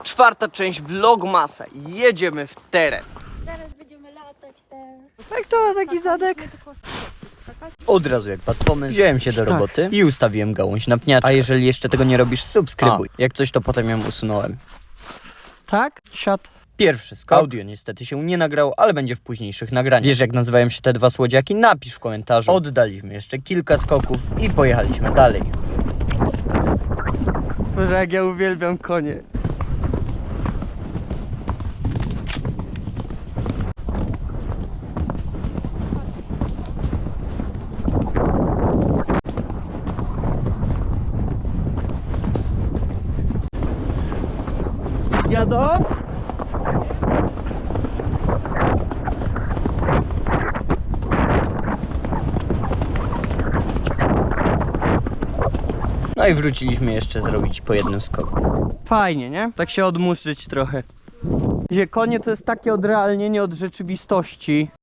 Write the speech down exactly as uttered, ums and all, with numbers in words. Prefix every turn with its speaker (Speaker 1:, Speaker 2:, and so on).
Speaker 1: Czwarta część Vlogmasa. Jedziemy w teren.
Speaker 2: Teraz będziemy latać też.
Speaker 1: Tak to taki zadek. Od razu jak padł pomysł, wziąłem się do roboty i ustawiłem gałąź na pniaczkę. A jeżeli jeszcze tego nie robisz, subskrybuj. A. Jak coś, to potem ją usunąłem.
Speaker 3: Tak? Siad.
Speaker 1: Pierwszy skok. Audio niestety się nie nagrał, ale będzie w późniejszych nagraniach. Wiesz, jak nazywają się te dwa słodziaki? Napisz w komentarzu. Oddaliśmy jeszcze kilka skoków i pojechaliśmy dalej.
Speaker 3: Boże, jak ja uwielbiam konie. Jadą?
Speaker 1: No i wróciliśmy jeszcze zrobić po jednym skoku.
Speaker 3: Fajnie, nie? Tak się odmuszyć trochę. Gdzie konie to jest takie odrealnienie od rzeczywistości.